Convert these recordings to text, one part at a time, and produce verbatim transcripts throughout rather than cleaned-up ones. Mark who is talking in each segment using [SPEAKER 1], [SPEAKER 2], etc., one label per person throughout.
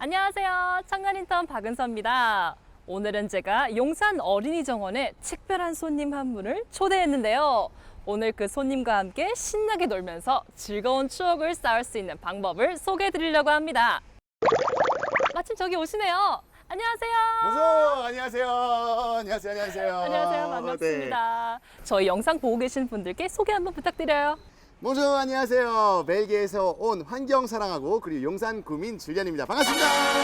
[SPEAKER 1] 안녕하세요. 청년인턴 박은서입니다. 오늘은 제가 용산 어린이정원에 특별한 손님 한 분을 초대했는데요. 오늘 그 손님과 함께 신나게 놀면서 즐거운 추억을 쌓을 수 있는 방법을 소개해 드리려고 합니다. 마침 저기 오시네요. 안녕하세요.
[SPEAKER 2] 어서 안녕하세요. 안녕하세요. 안녕하세요.
[SPEAKER 1] 안녕하세요. 반갑습니다. 네. 저희 영상 보고 계신 분들께 소개 한번 부탁드려요.
[SPEAKER 2] 모조 안녕하세요. 벨기에에서 온 환경 사랑하고 그리고 용산 구민 줄리안입니다. 반갑습니다.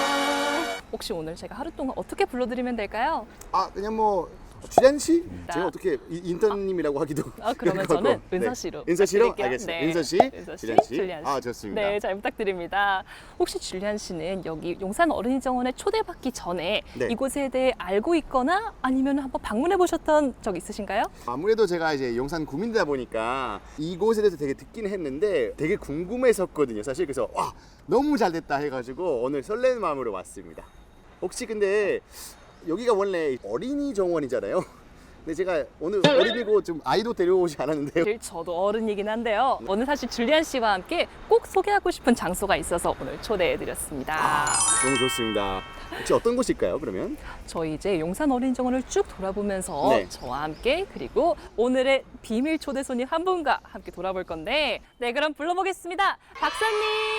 [SPEAKER 1] 혹시 오늘 제가 하루 동안 어떻게 불러드리면 될까요?
[SPEAKER 2] 아 그냥 뭐 줄리안 씨? 제가 어떻게 이- 인턴님이라고 하기도.
[SPEAKER 1] 아 그러면 저는 은서 씨로.
[SPEAKER 2] 네. 은서 씨로
[SPEAKER 1] 부탁드릴게요.
[SPEAKER 2] 알겠습니다.
[SPEAKER 1] 네.
[SPEAKER 2] 은서 씨,
[SPEAKER 1] 은서 씨,
[SPEAKER 2] 줄리안 씨.
[SPEAKER 1] 줄리안 씨.
[SPEAKER 2] 아 좋습니다.
[SPEAKER 1] 네, 잘 부탁드립니다. 혹시 줄리안 씨는 여기 용산 어린이정원에 초대받기 전에
[SPEAKER 2] 네.
[SPEAKER 1] 이곳에 대해 알고 있거나 아니면 한번 방문해 보셨던 적 있으신가요?
[SPEAKER 2] 아무래도 제가 이제 용산 구민이다 보니까 이곳에 대해서 되게 듣긴 했는데 되게 궁금했었거든요. 사실 그래서 와 너무 잘 됐다 해가지고 오늘 설레는 마음으로 왔습니다. 혹시 근데 여기가 원래 어린이 정원이잖아요. 근데 제가 오늘 어린이고 좀 아이도 데려오지 않았는데요.
[SPEAKER 1] 사실 저도 어른이긴 한데요. 오늘 사실 줄리안 씨와 함께 꼭 소개하고 싶은 장소가 있어서 오늘 초대해 드렸습니다.
[SPEAKER 2] 아, 너무 좋습니다. 혹시 어떤 곳일까요, 그러면?
[SPEAKER 1] 저희 이제 용산 어린이정원을 쭉 돌아보면서
[SPEAKER 2] 네.
[SPEAKER 1] 저와 함께 그리고 오늘의 비밀 초대 손님 한 분과 함께 돌아볼 건데 네 그럼 불러보겠습니다. 박사님.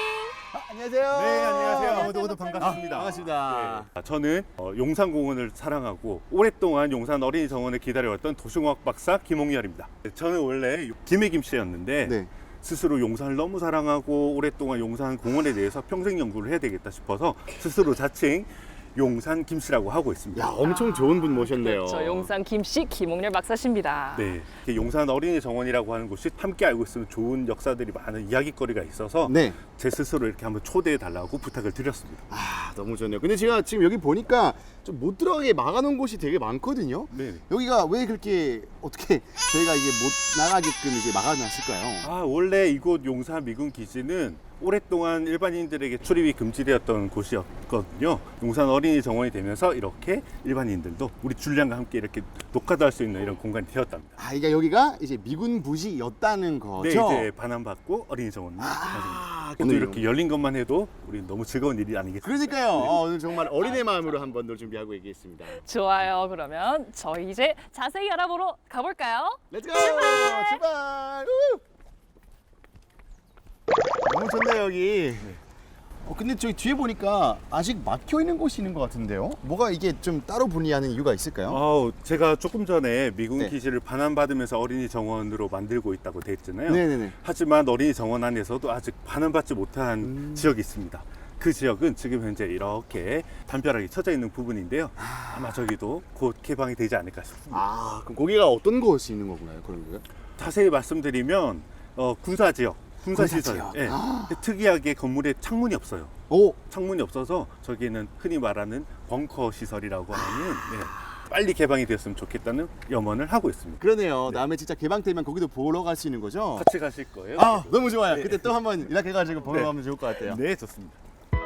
[SPEAKER 2] 아, 안녕하세요.
[SPEAKER 3] 네, 안녕하세요. 모두 모두
[SPEAKER 1] 박사님.
[SPEAKER 3] 반갑습니다.
[SPEAKER 2] 반갑습니다.
[SPEAKER 3] 네, 저는 어, 용산공원을 사랑하고 오랫동안 용산 어린이정원을 기다려왔던 도시공학 박사 김홍열입니다. 저는 원래 김해김씨였는데
[SPEAKER 2] 네.
[SPEAKER 3] 스스로 용산을 너무 사랑하고 오랫동안 용산 공원에 대해서 평생 연구를 해야 되겠다 싶어서 스스로 자칭 용산 김씨라고 하고 있습니다.
[SPEAKER 2] 야, 엄청 좋은 분 모셨네요.
[SPEAKER 1] 저 용산 김씨 김홍렬 박사십니다.
[SPEAKER 3] 네, 이렇게 용산 어린이정원이라고 하는 곳이 함께 알고 있으면 좋은 역사들이 많은 이야기거리가 있어서
[SPEAKER 2] 네.
[SPEAKER 3] 제 스스로 이렇게 한번 초대해 달라고 부탁을 드렸습니다.
[SPEAKER 2] 아, 너무 좋네요. 근데 제가 지금 여기 보니까 좀 못 들어가게 막아놓은 곳이 되게 많거든요.
[SPEAKER 3] 네.
[SPEAKER 2] 여기가 왜 그렇게 어떻게 저희가 이게 못 나가게끔 이제 막아놨을까요?
[SPEAKER 3] 아, 원래 이곳 용산 미군 기지는 오랫동안 일반인들에게 출입이 금지되었던 곳이었거든요. 용산 어린이 정원이 되면서 이렇게 일반인들도 우리 줄리안과 함께 이렇게 녹화도 할 수 있는 이런 공간이 되었답니다.
[SPEAKER 2] 아, 그러니까 여기가 이제 미군 부지였다는
[SPEAKER 3] 네,
[SPEAKER 2] 거죠.
[SPEAKER 3] 이제 반환받고 어린이 정원을
[SPEAKER 2] 아,
[SPEAKER 3] 또
[SPEAKER 2] 오늘
[SPEAKER 3] 이렇게 열린 것만 해도 우리 너무 즐거운 일이 아니겠습니까?
[SPEAKER 2] 그러니까요. 어, 오늘 정말 어린애 마음으로 한번 놀 준비하고 있겠습니다.
[SPEAKER 1] 좋아요. 그러면 저희 이제 자세히 알아보러 가볼까요?
[SPEAKER 2] 렛츠고! 출발! 출발! 우! 너무 좋네요 여기. 어, 근데 저기 뒤에 보니까 아직 막혀 있는 곳이 있는 것 같은데요? 뭐가 이게 좀 따로 분리하는 이유가 있을까요?
[SPEAKER 3] 어, 제가 조금 전에 미군
[SPEAKER 2] 네.
[SPEAKER 3] 기지를 반환받으면서 어린이 정원으로 만들고 있다고 돼 있잖아요.
[SPEAKER 2] 네네네.
[SPEAKER 3] 하지만 어린이 정원 안에서도 아직 반환받지 못한
[SPEAKER 2] 음.
[SPEAKER 3] 지역이 있습니다. 그 지역은 지금 현재 이렇게 담벼락이 쳐져 있는 부분인데요. 아마 저기도 곧 개방이 되지 않을까 싶습니다.
[SPEAKER 2] 아, 그럼 거기가 어떤 곳이 있는 건가요? 그런 거요?
[SPEAKER 3] 자세히 말씀드리면 어, 군사 지역, 군사
[SPEAKER 2] 군사
[SPEAKER 3] 시설.
[SPEAKER 2] 지역.
[SPEAKER 3] 예.
[SPEAKER 2] 아.
[SPEAKER 3] 특이하게 건물에 창문이 없어요.
[SPEAKER 2] 오,
[SPEAKER 3] 창문이 없어서 저기는 흔히 말하는 벙커 시설이라고 하는 네, 빨리 개방이 됐으면 좋겠다는 염원을 하고 있습니다.
[SPEAKER 2] 그러네요. 다음에 진짜 개방되면 거기도 보러 갈 수 있는 거죠?
[SPEAKER 3] 같이 가실 거예요?
[SPEAKER 2] 아, 너무 좋아요. 그때 또 한번 연락해가지고 보러
[SPEAKER 3] 네.
[SPEAKER 2] 가면 좋을 것 같아요.
[SPEAKER 3] 네, 좋습니다.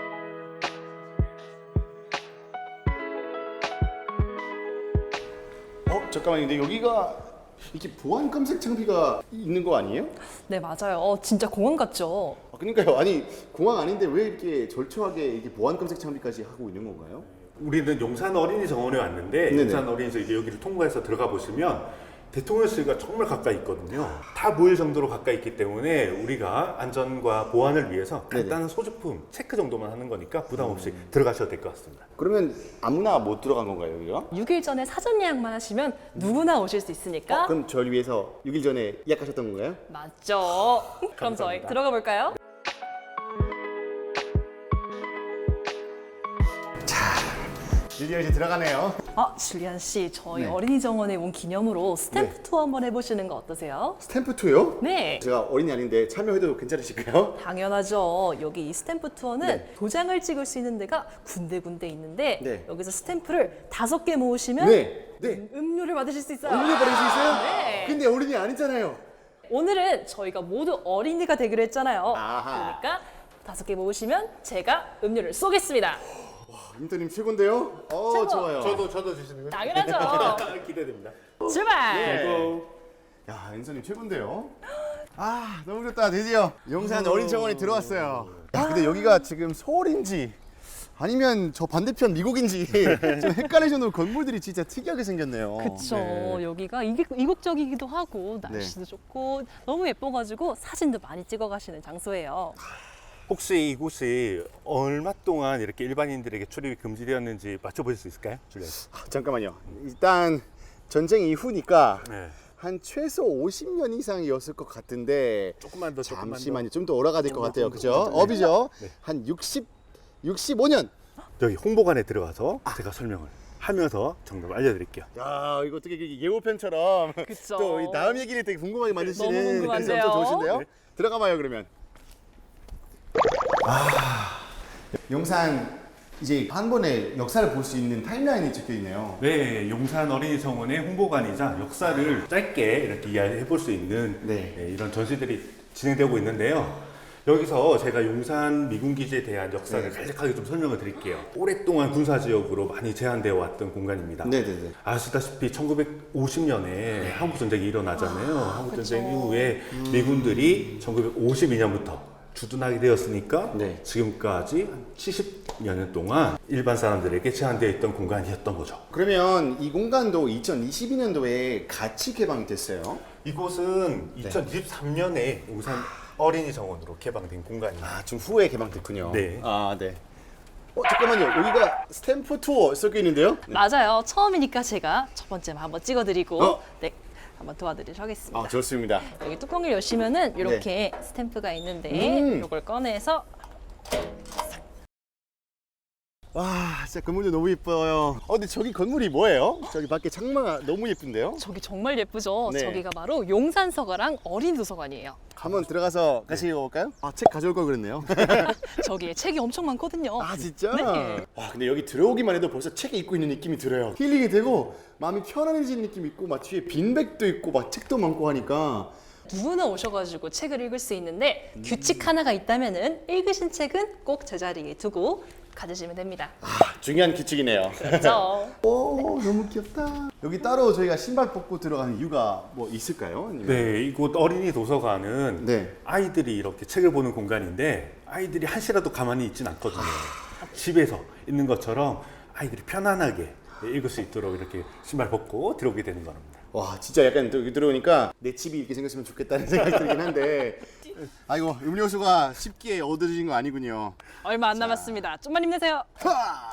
[SPEAKER 2] 어, 잠깐만요. 근데 여기가 이렇게 보안 검색 장비가 있는 거 아니에요?
[SPEAKER 1] 네 맞아요. 어, 진짜 공원 같죠?
[SPEAKER 2] 아, 그러니까요. 아니 공항 아닌데 왜 이렇게 절초하게 이렇게 보안 검색 장비까지 하고 있는 건가요?
[SPEAKER 3] 우리는 용산 어린이 정원에 왔는데
[SPEAKER 2] 네네.
[SPEAKER 3] 용산 어린이 정 여기를 통과해서 들어가 보시면 대통령실과 정말 가까이 있거든요. 다 보일 정도로 가까이 있기 때문에 우리가 안전과 보안을 위해서
[SPEAKER 2] 네네.
[SPEAKER 3] 간단한 소지품 체크 정도만 하는 거니까 부담 없이 들어가셔도 될 것 같습니다.
[SPEAKER 2] 그러면 아무나 못 들어간 건가요, 여기가?
[SPEAKER 1] 육 일 전에 사전 예약만 하시면 누구나 오실 수 있으니까
[SPEAKER 2] 어, 그럼 저를 위해서 육 일 전에 예약하셨던 건가요?
[SPEAKER 1] 맞죠? 그럼 저희
[SPEAKER 3] 감사합니다.
[SPEAKER 1] 들어가 볼까요?
[SPEAKER 2] 드디어 이제 들어가네요.
[SPEAKER 1] 아, 줄리안 씨, 저희
[SPEAKER 2] 네.
[SPEAKER 1] 어린이정원에 온 기념으로 스탬프
[SPEAKER 2] 네.
[SPEAKER 1] 투어 한번 해보시는 거 어떠세요?
[SPEAKER 2] 스탬프 투요?
[SPEAKER 1] 네.
[SPEAKER 2] 제가 어린이 아닌데 참여해도 괜찮으실까요?
[SPEAKER 1] 당연하죠. 여기 이 스탬프 투어는
[SPEAKER 2] 네.
[SPEAKER 1] 도장을 찍을 수 있는 데가 군데군데 있는데
[SPEAKER 2] 네.
[SPEAKER 1] 여기서 스탬프를 다섯 개 모으시면
[SPEAKER 2] 네. 네.
[SPEAKER 1] 음료를 받으실 수 있어요.
[SPEAKER 2] 어린이 버릴 수 있어요?
[SPEAKER 1] 네.
[SPEAKER 2] 근데 어린이 아니잖아요.
[SPEAKER 1] 오늘은 저희가 모두 어린이가 되기로 했잖아요.
[SPEAKER 2] 아하.
[SPEAKER 1] 그러니까 다섯 개 모으시면 제가 음료를 쏘겠습니다.
[SPEAKER 2] 인터님 최고인데요? 어,
[SPEAKER 1] 최고.
[SPEAKER 2] 좋아요.
[SPEAKER 3] 저도 주시는 거예요?
[SPEAKER 1] 당연하죠.
[SPEAKER 3] 기대됩니다.
[SPEAKER 1] 출발!
[SPEAKER 2] 네. 야, 인선님 최고인데요? 아, 너무 좋다. 드디어 용산 어린이정원에 들어왔어요. 야, 근데 여기가 지금 서울인지 아니면 저 반대편 미국인지 좀 헷갈릴 정도로 건물들이 진짜 특이하게 생겼네요.
[SPEAKER 1] 그쵸.
[SPEAKER 2] 네.
[SPEAKER 1] 여기가 이게 이국적이기도 하고 날씨도 좋고 너무 예뻐가지고 사진도 많이 찍어 가시는 장소예요.
[SPEAKER 3] 혹시 이곳이 얼마 동안 이렇게 일반인들에게 출입이 금지되었는지 맞춰보실 수 있을까요, 줄리안 씨?
[SPEAKER 2] 아, 잠깐만요. 일단 전쟁 이후니까
[SPEAKER 3] 네.
[SPEAKER 2] 한 최소 오십 년 이상이었을 것 같은데
[SPEAKER 3] 조금만 더, 조금만
[SPEAKER 2] 잠시만요. 좀 더 오래가 될 것 같아요.
[SPEAKER 3] 더,
[SPEAKER 2] 그죠?
[SPEAKER 3] 조금만 더.
[SPEAKER 2] 업이죠?
[SPEAKER 3] 네.
[SPEAKER 2] 한 육십, 육십오 년.
[SPEAKER 3] 여기 홍보관에 들어가서 제가 설명을 하면서 정답을 알려드릴게요.
[SPEAKER 2] 야, 이거 어떻게 이게 예고편처럼
[SPEAKER 1] 그쵸.
[SPEAKER 2] 또 이 다음 얘기를 되게 궁금하게 만드시는
[SPEAKER 1] 너무 궁금한데요?
[SPEAKER 2] 그래서 엄청 좋으신데요?
[SPEAKER 3] 네.
[SPEAKER 2] 들어가 봐요, 그러면. 아, 용산 이제 한 번에 역사를 볼 수 있는 타임라인이 적혀 있네요.
[SPEAKER 3] 네, 용산 어린이 정원의 홍보관이자 역사를 짧게 이렇게 이야기해 볼 수 있는
[SPEAKER 2] 네.
[SPEAKER 3] 네, 이런 전시들이 진행되고 있는데요. 여기서 제가 용산 미군기지에 대한 역사를
[SPEAKER 2] 네.
[SPEAKER 3] 간략하게 좀 설명을 드릴게요. 오랫동안 군사지역으로 많이 제한되어 왔던 공간입니다.
[SPEAKER 2] 네네네.
[SPEAKER 3] 아시다시피 천구백오십 년에 한국전쟁이 일어나잖아요. 한국전쟁
[SPEAKER 1] 그쵸.
[SPEAKER 3] 이후에 미군들이 천구백오십이 년부터 주둔하게 되었으니까
[SPEAKER 2] 네.
[SPEAKER 3] 지금까지 한 칠십 년 동안 일반 사람들에게 제한되어 있던 공간이었던 거죠.
[SPEAKER 2] 그러면 이 공간도 이천이십이 년도에 같이 개방이 됐어요.
[SPEAKER 3] 이곳은 이천이십삼 년에 용산 어린이 정원으로 개방된 공간입니다.
[SPEAKER 2] 아, 좀 후에 개방됐군요.
[SPEAKER 3] 네.
[SPEAKER 2] 아, 네. 어, 잠깐만요. 여기가 스탬프 투어 섞여 있는데요?
[SPEAKER 1] 맞아요. 처음이니까 제가 첫 번째만 한번 찍어드리고
[SPEAKER 2] 어?
[SPEAKER 1] 네 한번 도와드리도록 하겠습니다.
[SPEAKER 2] 아, 좋습니다.
[SPEAKER 1] 여기 뚜껑을 여시면은 이렇게 스탬프가 있는데
[SPEAKER 2] 음.
[SPEAKER 1] 이걸 꺼내서
[SPEAKER 2] 와, 진짜 건물도 너무 예뻐요. 어, 근데 저기 건물이 뭐예요? 저기 밖에 창마가 너무 예쁜데요?
[SPEAKER 1] 저기 정말 예쁘죠?
[SPEAKER 2] 네.
[SPEAKER 1] 저기가 바로 용산서가랑 어린이도서관이에요.
[SPEAKER 2] 한번 들어가서 같이 읽어볼까요? 아, 책 가져올 걸 그랬네요.
[SPEAKER 1] 저기에 책이 엄청 많거든요.
[SPEAKER 2] 아, 진짜?
[SPEAKER 1] 네.
[SPEAKER 2] 와, 근데 여기 들어오기만 해도 벌써 책에 읽고 있는 느낌이 들어요. 힐링이 되고 마음이 편안해지는 느낌이 있고 막 뒤에 빈백도 있고 막 책도 많고 하니까
[SPEAKER 1] 누구나 오셔가지고 책을 읽을 수 있는데 규칙 하나가 있다면은 읽으신 책은 꼭 제자리에 두고 가지시면 됩니다.
[SPEAKER 2] 아, 중요한 규칙이네요.
[SPEAKER 1] 그렇죠?
[SPEAKER 2] 오, 너무 귀엽다. 여기 따로 저희가 신발 벗고 들어가는 이유가 뭐 있을까요? 아니면-
[SPEAKER 3] 네, 이곳 어린이 도서관은
[SPEAKER 2] 네.
[SPEAKER 3] 아이들이 이렇게 책을 보는 공간인데 아이들이 한시라도 가만히 있진 않거든요. 집에서 있는 것처럼 아이들이 편안하게 읽을 수 있도록 이렇게 신발 벗고 들어오게 되는 겁니다.
[SPEAKER 2] 와, 진짜 약간 또 여기 들어오니까 내 집이 이렇게 생겼으면 좋겠다는 생각이 들긴 한데 아이고, 음료수가 쉽게 얻어지는 거 아니군요.
[SPEAKER 1] 얼마 안 남았습니다. 좀만 힘내세요.
[SPEAKER 2] 하!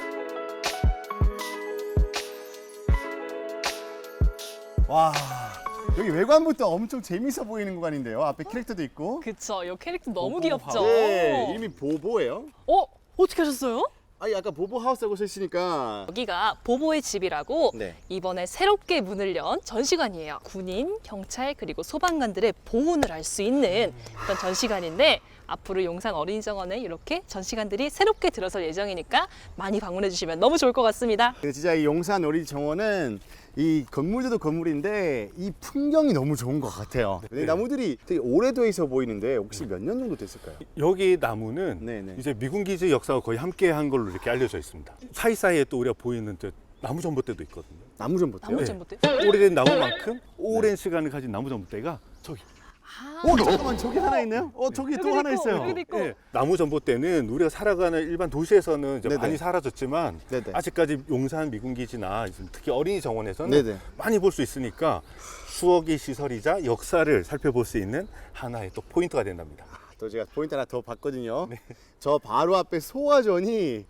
[SPEAKER 2] 와, 여기 외관부터 엄청 재밌어 보이는 구간인데요. 앞에 캐릭터도 있고.
[SPEAKER 1] 그쵸? 이 캐릭터 너무
[SPEAKER 3] 보보
[SPEAKER 1] 귀엽죠?
[SPEAKER 2] 네, 이름이 보보예요.
[SPEAKER 1] 어? 어떻게 하셨어요?
[SPEAKER 2] 아니, 아까 보보 하우스라고 쓰시니까
[SPEAKER 1] 여기가 보보의 집이라고
[SPEAKER 2] 네.
[SPEAKER 1] 이번에 새롭게 문을 연 전시관이에요. 군인, 경찰 그리고 소방관들의 보훈을 할 수 있는 그런 전시관인데 앞으로 용산 어린이정원에 이렇게 전시관들이 새롭게 들어설 예정이니까 많이 방문해 주시면 너무 좋을 것 같습니다.
[SPEAKER 2] 근데 진짜 이 용산 어린이 정원은 이 건물들도 건물인데 이 풍경이 너무 좋은 것 같아요. 근데
[SPEAKER 3] 네.
[SPEAKER 2] 나무들이 되게 오래돼 있어 보이는데 혹시 몇 년 정도 됐을까요?
[SPEAKER 3] 여기 나무는
[SPEAKER 2] 네네.
[SPEAKER 3] 이제 미군 기지 역사가 거의 함께 한 걸로 이렇게 알려져 있습니다. 사이사이에 또 우리가 보이는 저 나무 전봇대도 있거든요.
[SPEAKER 2] 나무 전봇대요?
[SPEAKER 1] 나무
[SPEAKER 3] 네.
[SPEAKER 1] 전봇대?
[SPEAKER 3] 오래된 나무만큼 오랜 시간을 가진 나무 전봇대가 저기.
[SPEAKER 1] 아,
[SPEAKER 2] 어, 잠깐만, 저기 하나 있네요? 어, 저기 또
[SPEAKER 1] 여기도
[SPEAKER 2] 하나
[SPEAKER 1] 있고,
[SPEAKER 2] 있어요.
[SPEAKER 1] 여기도 있고.
[SPEAKER 3] 예, 나무 전봇대는 우리가 살아가는 일반 도시에서는 이제
[SPEAKER 2] 네네.
[SPEAKER 3] 많이 사라졌지만
[SPEAKER 2] 네네.
[SPEAKER 3] 아직까지 용산 미군 기지나 특히 어린이 정원에서는
[SPEAKER 2] 네네.
[SPEAKER 3] 많이 볼 수 있으니까 추억의 시설이자 역사를 살펴볼 수 있는 하나의 또 포인트가 된답니다.
[SPEAKER 2] 또 제가 포인트 하나 더 봤거든요. 저 바로 앞에 소화전이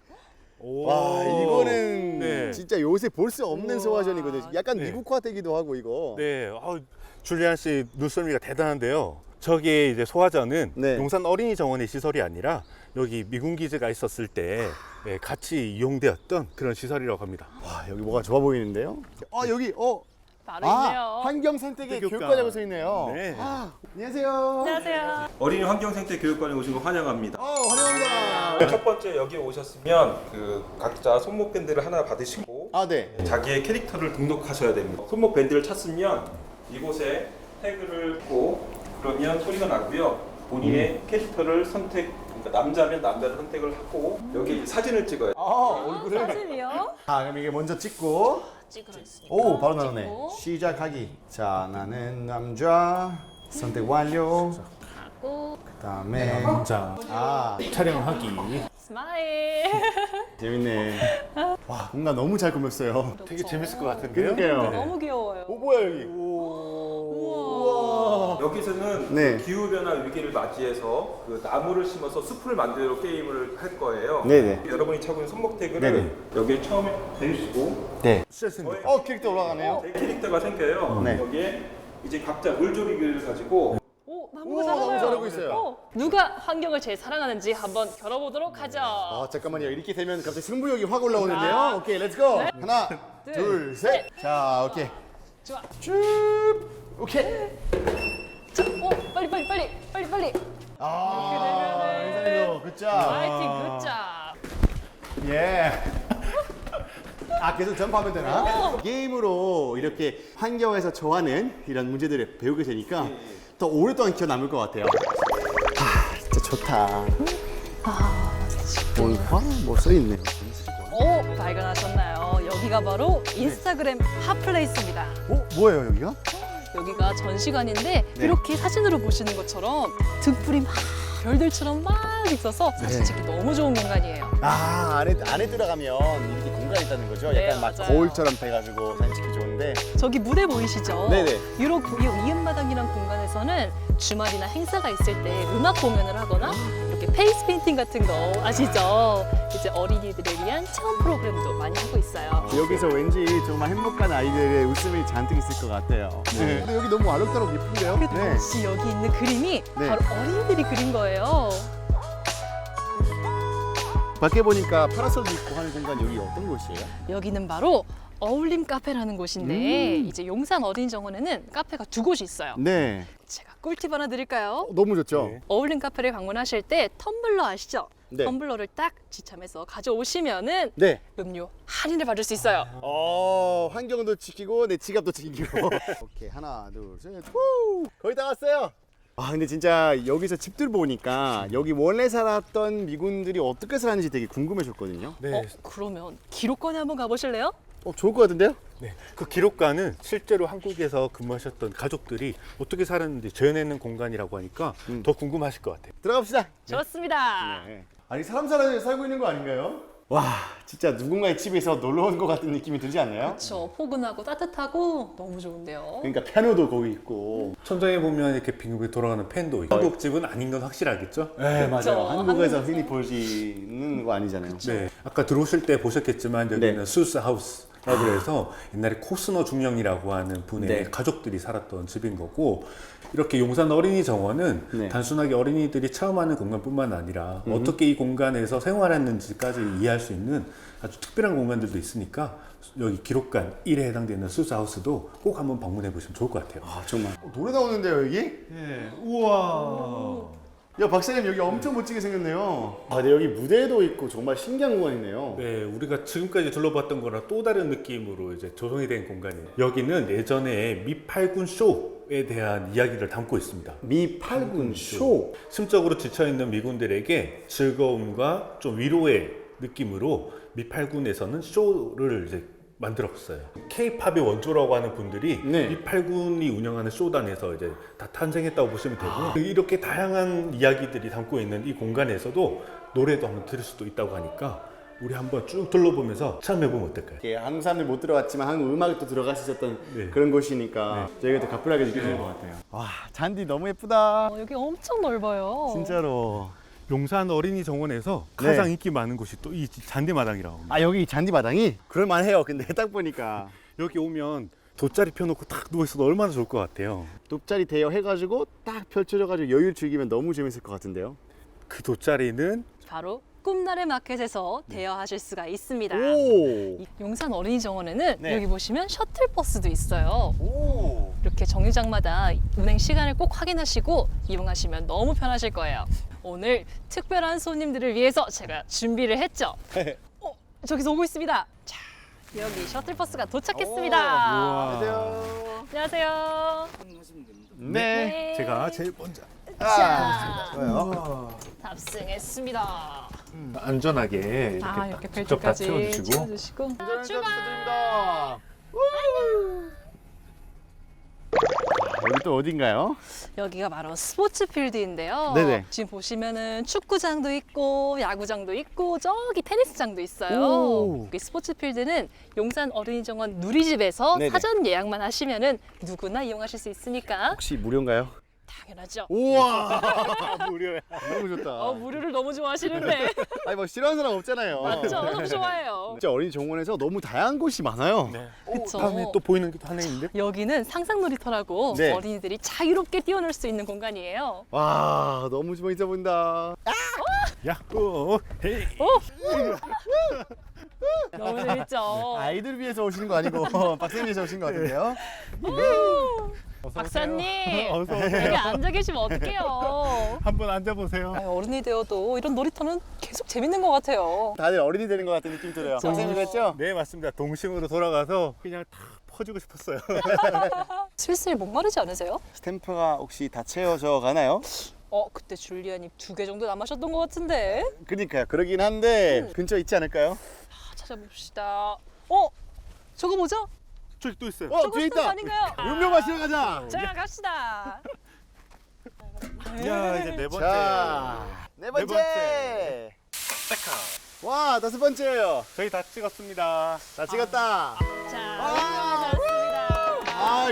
[SPEAKER 2] 와, 이거는
[SPEAKER 3] 네.
[SPEAKER 2] 진짜 요새 볼 수 없는
[SPEAKER 1] 우와.
[SPEAKER 2] 소화전이거든요. 약간
[SPEAKER 3] 네.
[SPEAKER 2] 미국화되기도 하고 이거.
[SPEAKER 3] 네, 아우, 줄리안 씨 눈썰미가 대단한데요. 저기 이제 소화전은
[SPEAKER 2] 네.
[SPEAKER 3] 용산 어린이 정원의 시설이 아니라 여기 미군 기지가 있었을 때 예, 같이 이용되었던 그런 시설이라고 합니다.
[SPEAKER 2] 와, 여기 뭐가 좋아 보이는데요? 어, 여기 어
[SPEAKER 1] 바로 있네요.
[SPEAKER 2] 아, 환경 선택의
[SPEAKER 3] 교육관.
[SPEAKER 2] 교육과라고 써 있네요.
[SPEAKER 3] 네.
[SPEAKER 2] 아, 안녕하세요.
[SPEAKER 1] 안녕하세요.
[SPEAKER 4] 어린이 환경생태 교육관에 오신 거 환영합니다.
[SPEAKER 2] 어, 환영합니다.
[SPEAKER 4] 첫 번째 여기 오셨으면 그 각자 손목 밴드를 하나 받으시고
[SPEAKER 2] 아, 네.
[SPEAKER 4] 자기의 캐릭터를 등록하셔야 됩니다. 손목 밴드를 찾으면 이곳에 태그를 꽂고 그러면 소리가 나고요. 본인의 캐릭터를 선택, 그러니까 남자면 남자를 선택을 하고 여기 사진을 찍어요.
[SPEAKER 2] 아, 얼굴을.
[SPEAKER 1] 사진이요?
[SPEAKER 2] 아, 그럼 이게 먼저 찍고.
[SPEAKER 1] 찍으셨으니까.
[SPEAKER 2] 오, 바로 나오네.
[SPEAKER 1] 찍고,
[SPEAKER 2] 시작하기. 자, 나는 남자. 선택 완료.
[SPEAKER 1] 하고
[SPEAKER 2] 그다음에
[SPEAKER 3] 자,
[SPEAKER 2] 아,
[SPEAKER 3] 촬영하기.
[SPEAKER 1] 스마일.
[SPEAKER 2] 재밌네. 와, 공간 너무 잘 꾸몄어요.
[SPEAKER 3] 되게 재밌을 것 같은데요?
[SPEAKER 2] 그러니까요.
[SPEAKER 1] 너무 귀여워요.
[SPEAKER 2] 오, 뭐야 여기?
[SPEAKER 1] 우와.
[SPEAKER 4] 여기서는
[SPEAKER 2] 네.
[SPEAKER 4] 기후 변화 위기를 맞이해서 그 나무를 심어서 숲을 만들어 게임을 할 거예요.
[SPEAKER 2] 네네.
[SPEAKER 4] 여러분이 차고 있는 손목 태그를
[SPEAKER 2] 네네.
[SPEAKER 4] 여기에 처음에 대주시고
[SPEAKER 2] 네.
[SPEAKER 3] 시작했습니다.
[SPEAKER 2] 어, 캐릭터 올라가네요.
[SPEAKER 4] 제 캐릭터가 생겨요.
[SPEAKER 2] 네.
[SPEAKER 4] 여기에 이제 각자 물조리기를 가지고
[SPEAKER 1] 오, 나무가
[SPEAKER 2] 우와,
[SPEAKER 1] 자라나요.
[SPEAKER 2] 나무 자라고 있어요.
[SPEAKER 1] 어, 누가 환경을 제일 사랑하는지 한번 겨뤄보도록 하죠.
[SPEAKER 2] 아, 잠깐만요. 이렇게 되면 갑자기 승부욕이 확 올라오는데요.
[SPEAKER 1] 자.
[SPEAKER 2] 오케이, 렛츠고.
[SPEAKER 1] 네.
[SPEAKER 2] 하나,
[SPEAKER 1] 둘,
[SPEAKER 2] 둘, 셋. 자, 오케이.
[SPEAKER 1] 좋아.
[SPEAKER 2] 쭉. 오케이.
[SPEAKER 1] 자, 오, 빨리 빨리 빨리 빨리 빨리.
[SPEAKER 2] 아,
[SPEAKER 1] 되면은
[SPEAKER 2] 이상해요. 굿잡.
[SPEAKER 1] 파이팅 굿잡.
[SPEAKER 2] 예. 아, 계속 점프하면 되나? 게임으로 이렇게 환경에서 좋아하는 이런 문제들을 배우게 되니까 더 오랫동안 기억 남을 것 같아요. 아, 진짜 좋다.
[SPEAKER 1] 아,
[SPEAKER 2] 뭔가 뭐 써있네요.
[SPEAKER 1] 오, 발견하셨나요? 여기가 바로 인스타그램 핫플레이스입니다.
[SPEAKER 2] 어, 뭐예요 여기가?
[SPEAKER 1] 여기가 전시관인데
[SPEAKER 2] 네.
[SPEAKER 1] 이렇게 사진으로 보시는 것처럼 등불이 막 별들처럼 막 있어서 사진
[SPEAKER 2] 네.
[SPEAKER 1] 찍기 너무 좋은 공간이에요.
[SPEAKER 2] 아, 안에 안에 들어가면 이렇게 공간이 있다는 거죠?
[SPEAKER 1] 네,
[SPEAKER 2] 약간 막
[SPEAKER 1] 맞아요.
[SPEAKER 2] 거울처럼 돼가지고 사진 찍기 좋은데.
[SPEAKER 1] 저기 무대 보이시죠?
[SPEAKER 2] 네네.
[SPEAKER 1] 유럽 이 이음마당이란 공간에서는 주말이나 행사가 있을 때 음악 공연을 하거나 이렇게 페이스 페인팅 같은 거 아시죠? 이제 어린이들을 위한 체험 프로그램도 많이 하고 있어요.
[SPEAKER 2] 여기서 왠지 정말 행복한 아이들의 웃음이 잔뜩 있을 것 같아요. 네. 근데 여기 너무 아름다고 예쁜데요? 네.
[SPEAKER 1] 역시 여기 있는 그림이
[SPEAKER 2] 네.
[SPEAKER 1] 바로 어린이들이 그린 거예요.
[SPEAKER 2] 밖에 보니까 파라솔도 있고 하는 공간 여기 어떤 곳이에요?
[SPEAKER 1] 여기는 바로 어울림 카페라는 곳인데
[SPEAKER 2] 음.
[SPEAKER 1] 이제 용산 어린이정원에는 카페가 두 곳이 있어요.
[SPEAKER 2] 네.
[SPEAKER 1] 제가 꿀팁 하나 드릴까요?
[SPEAKER 2] 어, 너무 좋죠?
[SPEAKER 3] 네.
[SPEAKER 1] 어울림 카페를 방문하실 때 텀블러 아시죠?
[SPEAKER 2] 네.
[SPEAKER 1] 텀블러를 딱 지참해서 가져오시면은
[SPEAKER 2] 네.
[SPEAKER 1] 음료 할인을 받을 수 있어요.
[SPEAKER 2] 어, 환경도 지키고 내 지갑도 지키고. 오케이, 하나, 둘, 셋. 후! 거의 다 왔어요. 아, 근데 진짜 여기서 집들 보니까 여기 원래 살았던 미군들이 어떻게 살았는지 되게 궁금해졌거든요.
[SPEAKER 3] 네.
[SPEAKER 1] 어, 그러면 기록관에 한번 가보실래요?
[SPEAKER 2] 어, 좋을 것 같은데요?
[SPEAKER 3] 네. 그 기록관은 실제로 한국에서 근무하셨던 가족들이 어떻게 살았는지 재현해낸 공간이라고 하니까
[SPEAKER 2] 음.
[SPEAKER 3] 더 궁금하실 것 같아요.
[SPEAKER 2] 들어갑시다.
[SPEAKER 1] 좋습니다.
[SPEAKER 2] 네. 아니, 사람 살아, 살고 있는 거 아닌가요? 와, 진짜 누군가의 집에서 놀러 온 것 같은 느낌이 들지 않나요?
[SPEAKER 1] 그렇죠. 포근하고 따뜻하고 너무 좋은데요.
[SPEAKER 2] 그러니까 피아노도 거기 있고.
[SPEAKER 3] 천장에 보면 이렇게 빙글빙글 돌아가는 팬도 있고 한국 집은 아닌 건 확실하겠죠?
[SPEAKER 2] 네,
[SPEAKER 1] 그쵸.
[SPEAKER 2] 맞아요. 한국에서
[SPEAKER 1] 한국-
[SPEAKER 2] 흔히 보시는 거 아니잖아요.
[SPEAKER 3] 네. 아까 들어오실 때 보셨겠지만 여기는
[SPEAKER 2] 네.
[SPEAKER 3] 수스 하우스. 라고 해서 옛날에 코스너 중령이라고 하는 분의
[SPEAKER 2] 네.
[SPEAKER 3] 가족들이 살았던 집인 거고 이렇게 용산 어린이 정원은
[SPEAKER 2] 네.
[SPEAKER 3] 단순하게 어린이들이 체험하는 공간뿐만 아니라
[SPEAKER 2] 음.
[SPEAKER 3] 어떻게 이 공간에서 생활했는지까지 이해할 수 있는 아주 특별한 공간들도 있으니까 여기 기록관 일에 해당되는 수스하우스도 꼭 한번 방문해 보시면 좋을 것 같아요.
[SPEAKER 2] 아, 정말. 어, 노래 나오는데요, 여기?
[SPEAKER 3] 네. 우와.
[SPEAKER 2] 야, 박사님 여기 엄청 멋지게 생겼네요. 아, 근데 여기 무대도 있고 정말 신기한 공간이네요.
[SPEAKER 3] 네, 우리가 지금까지 둘러봤던 거랑 또 다른 느낌으로 이제 조성이 된 공간이에요. 여기는 예전에 미팔군 쇼에 대한 이야기를 담고 있습니다.
[SPEAKER 2] 미팔군 쇼.
[SPEAKER 3] 심적으로 지쳐있는 미군들에게 즐거움과 좀 위로의 느낌으로 미팔군에서는 쇼를 이제 만들었어요. K-팝의 원조라고 하는 분들이
[SPEAKER 2] 네.
[SPEAKER 3] 미팔군이 운영하는 쇼단에서 이제 다 탄생했다고 보시면 되고요. 이렇게 다양한 이야기들이 담고 있는 이 공간에서도 노래도 한번 들을 수도 있다고 하니까 우리 한번 쭉 둘러보면서 체험해보면 어떨까요?
[SPEAKER 2] 이렇게 한국 사람들 못 들어왔지만 한국 음악이 또 들어갈 수 있었던
[SPEAKER 3] 네.
[SPEAKER 2] 그런 곳이니까 저희가 더 가뿐하게 느껴지는 것 같아요. 와, 잔디 너무 예쁘다.
[SPEAKER 1] 어, 여기 엄청 넓어요.
[SPEAKER 2] 진짜로.
[SPEAKER 3] 용산 어린이 정원에서
[SPEAKER 2] 네.
[SPEAKER 3] 가장 인기 많은 곳이 또 이 잔디마당이라고 합니다.
[SPEAKER 2] 아, 여기 잔디 마당이? 그럴만해요. 근데 딱 보니까.
[SPEAKER 3] 여기 오면 돗자리 펴놓고 딱 누워있어도 얼마나 좋을 것 같아요.
[SPEAKER 2] 돗자리 대여해가지고 딱 펼쳐져가지고 여유를 즐기면 너무 재밌을 것 같은데요.
[SPEAKER 3] 그 돗자리는
[SPEAKER 1] 바로 꿈나래 마켓에서 대여하실 수가 있습니다.
[SPEAKER 2] 오.
[SPEAKER 1] 이 용산 어린이정원에는
[SPEAKER 2] 네.
[SPEAKER 1] 여기 보시면 셔틀버스도 있어요.
[SPEAKER 2] 오.
[SPEAKER 1] 이렇게 정류장마다 운행 시간을 꼭 확인하시고 이용하시면 너무 편하실 거예요. 오늘 특별한 손님들을 위해서 제가 준비를 했죠. 어, 저기서 오고 있습니다. 자, 여기 셔틀버스가 도착했습니다.
[SPEAKER 3] 우와.
[SPEAKER 2] 안녕하세요.
[SPEAKER 1] 안녕하세요.
[SPEAKER 2] 네.
[SPEAKER 3] 제가 제일 먼저
[SPEAKER 1] 자,
[SPEAKER 2] 좋아요.
[SPEAKER 1] 탑승했습니다.
[SPEAKER 3] 안전하게 이렇게,
[SPEAKER 1] 아, 이렇게
[SPEAKER 3] 딱 직접 다
[SPEAKER 1] 벨트까지
[SPEAKER 3] 채워주시고
[SPEAKER 1] 채워주시고.
[SPEAKER 2] 축하드립니다. 여기 또 어딘가요?
[SPEAKER 1] 여기가 바로 스포츠 필드인데요.
[SPEAKER 2] 네네.
[SPEAKER 1] 지금 보시면은 축구장도 있고 야구장도 있고 저기 테니스장도 있어요.
[SPEAKER 2] 오.
[SPEAKER 1] 여기 스포츠 필드는 용산 어린이정원 누리집에서
[SPEAKER 2] 네네.
[SPEAKER 1] 사전 예약만 하시면은 누구나 이용하실 수 있으니까
[SPEAKER 2] 혹시 무료인가요?
[SPEAKER 1] 당연하죠.
[SPEAKER 2] 우와
[SPEAKER 3] 무료야.
[SPEAKER 2] 너무 좋다.
[SPEAKER 1] 어, 무료를 너무 좋아하시는데.
[SPEAKER 2] 아니 뭐 싫어하는 사람 없잖아요.
[SPEAKER 1] 맞죠? 너무 좋아해요.
[SPEAKER 2] 진짜 어린이 정원에서 너무 다양한 곳이 많아요.
[SPEAKER 3] 네.
[SPEAKER 1] 그쵸.
[SPEAKER 3] 다음에 또 보이는 게 하나 있는데?
[SPEAKER 1] 여기는 상상 놀이터라고
[SPEAKER 2] 네.
[SPEAKER 1] 어린이들이 자유롭게 뛰어놀 수 있는 공간이에요.
[SPEAKER 2] 와 너무 재밌어 보인다.
[SPEAKER 3] 야호! 헤이!
[SPEAKER 1] 너무 재밌죠?
[SPEAKER 2] 아이들 위해서 오시는 거 아니고 박사님 위해서 오신 거 같은데요?
[SPEAKER 1] 박사님,
[SPEAKER 3] 어서 오세요.
[SPEAKER 1] 여기 앉아 계시면 어떡해요?
[SPEAKER 3] 한번 앉아보세요.
[SPEAKER 1] 아유, 어른이 되어도 이런 놀이터는 계속 재밌는 것 같아요.
[SPEAKER 2] 다들 어린이 되는 것 같은 느낌 들어요.
[SPEAKER 1] 그쵸.
[SPEAKER 2] 박사님 그랬죠?
[SPEAKER 3] 네, 맞습니다. 동심으로 돌아가서 그냥 다 퍼주고 싶었어요.
[SPEAKER 1] 슬슬 목마르지 않으세요?
[SPEAKER 2] 스탬프가 혹시 다 채워져 가나요?
[SPEAKER 1] 어, 그때 줄리안이 두 개 정도 남으셨던 것 같은데.
[SPEAKER 2] 그러니까요. 그러긴 한데
[SPEAKER 1] 음.
[SPEAKER 2] 근처에 있지 않을까요?
[SPEAKER 1] 아, 찾아봅시다. 어, 저거 뭐죠?
[SPEAKER 3] 저기 또 있어요.
[SPEAKER 2] 어
[SPEAKER 1] 저거
[SPEAKER 2] 뒤에
[SPEAKER 1] 스탬프
[SPEAKER 2] 있다.
[SPEAKER 1] 아닌가요?
[SPEAKER 2] 음료 마시러 가자.
[SPEAKER 1] 자, 갑시다.
[SPEAKER 3] 야, 이제 네 번째.
[SPEAKER 2] 자, 네 번째.
[SPEAKER 3] 번째.
[SPEAKER 2] 와 다섯 번째예요.
[SPEAKER 3] 저희 다 찍었습니다.
[SPEAKER 2] 다 찍었다.
[SPEAKER 1] 자,
[SPEAKER 2] 아.
[SPEAKER 1] 고맙습니다.
[SPEAKER 2] 아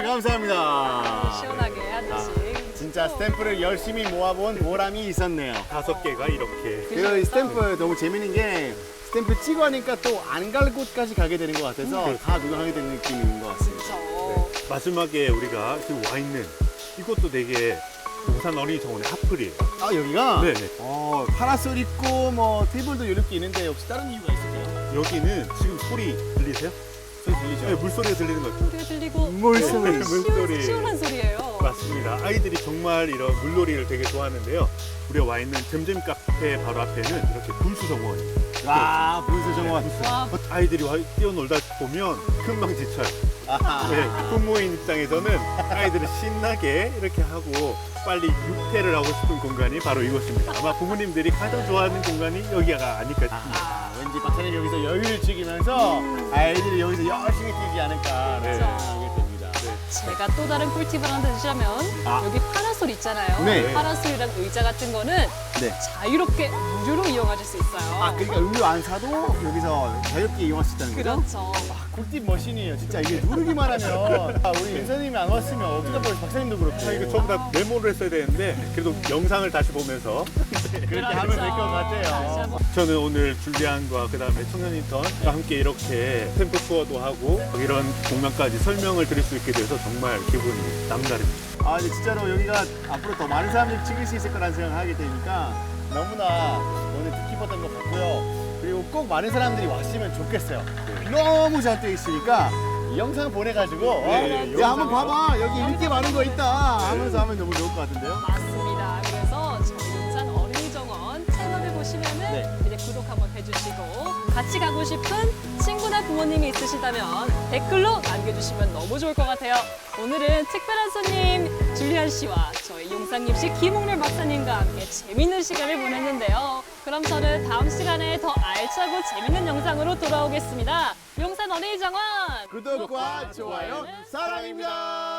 [SPEAKER 2] 감사합니다.
[SPEAKER 1] 시원하게 한 잔씩.
[SPEAKER 2] 진짜 스탬프를 열심히 모아본 보람이 있었네요.
[SPEAKER 3] 다섯 개가 이렇게.
[SPEAKER 2] 그리고 이 스탬프 너무 재밌는 게 스탬프 찍어 하니까 또 안 갈 곳까지 가게 되는 것 같아서
[SPEAKER 3] 음.
[SPEAKER 2] 다 구경하게 되는 느낌인 것 같습니다.
[SPEAKER 1] 그렇죠.
[SPEAKER 3] 마지막에 우리가 지금 와 있는 이것도 되게 용산 어린이 정원의 핫플이에요.
[SPEAKER 2] 아 여기가
[SPEAKER 3] 네, 네.
[SPEAKER 2] 어, 파라솔 있고 뭐 테이블도 이렇게 있는데 혹시 다른 이유가 있을까요?
[SPEAKER 3] 여기는 지금 소리 들리세요?
[SPEAKER 2] 소리 들리죠?
[SPEAKER 3] 네, 물소리가 들리는 거죠.
[SPEAKER 1] 소리가 들리고
[SPEAKER 2] 물소리.
[SPEAKER 1] 정말
[SPEAKER 3] 물소리.
[SPEAKER 1] 시원, 시원한 소리예요.
[SPEAKER 3] 맞습니다. 아이들이 정말 이런 물놀이를 되게 좋아하는데요. 우리가 와 있는 잼잼 카페 바로 앞에는 이렇게 분수 정원이.
[SPEAKER 2] 와 분수 정원.
[SPEAKER 1] 와,
[SPEAKER 3] 아이들이 와- 뛰어놀다 보면 금방 지쳐요.
[SPEAKER 2] 아하.
[SPEAKER 3] 네, 부모인 입장에서는 아이들을 신나게 이렇게 하고 빨리 육퇴를 하고 싶은 공간이 바로 이곳입니다. 아마 부모님들이 가장 좋아하는 공간이 여기가 아닐까 싶습니다.
[SPEAKER 2] 아, 왠지 박사님 여기서 여유를 즐기면서 아이들이 여기서 열심히 뛰지 않을까
[SPEAKER 3] 네.
[SPEAKER 2] 생각하게 됩니다.
[SPEAKER 1] 제가 또 다른 꿀팁을 하나 드리자면
[SPEAKER 2] 아.
[SPEAKER 1] 여기 파라솔 있잖아요.
[SPEAKER 2] 네.
[SPEAKER 1] 파라솔이랑 의자 같은 거는
[SPEAKER 2] 네.
[SPEAKER 1] 자유롭게 무료로 이용하실 수 있어요.
[SPEAKER 2] 아 그러니까 음료 안 사도 여기서 자유롭게 이용할 수 있다는 거죠?
[SPEAKER 1] 그렇죠.
[SPEAKER 2] 꿀팁 머신이에요. 진짜 이게 누르기만 하면 아, 우리 윤서님이 안 왔으면 어쩌다 보니 박사님도 그렇고
[SPEAKER 3] 아, 이거 전부 다 메모를 했어야 되는데 그래도 영상을 다시 보면서
[SPEAKER 2] 그렇게 하면 될 것 같아요.
[SPEAKER 3] 저는 오늘 줄리안과 그 다음에 청년 인턴과 함께 이렇게 템포 투어도 하고 이런 공간까지 설명을 드릴 수 있게 돼서 정말 기분이 남다릅니다.
[SPEAKER 2] 아 근데 진짜로 여기가 앞으로 더 많은 사람들이 찍을 수 있을 거라는 생각을 하게 되니까 너무나 오늘 뜻깊었던 것 같고요. 그리고 꼭 많은 사람들이 왔으면 좋겠어요. 너무 잘 돼 있으니까 이 영상 보내가지고 어?
[SPEAKER 3] 네,
[SPEAKER 2] 야 한번
[SPEAKER 3] 영상.
[SPEAKER 2] 봐봐 여기 이렇게 많은 거 있다 하면서 하면 너무 좋을 것 같은데요.
[SPEAKER 1] 맞습니다. 그래서 저희 용산 어린이정원 채널을 보시면은
[SPEAKER 2] 네.
[SPEAKER 1] 이제 구독 한번 해주시고 같이 가고 싶은 친구나 부모님이 있으시다면 댓글로 남겨주시면 너무 좋을 것 같아요. 오늘은 특별한 손님 줄리안 씨와 저희 용산입시 김홍렬 박사님과 함께 재밌는 시간을 보냈는데요. 그럼 저는 다음 시간에 더 알차고 재밌는 영상으로 돌아오겠습니다. 용산 어린이정원
[SPEAKER 2] 구독과 좋아요 사랑입니다.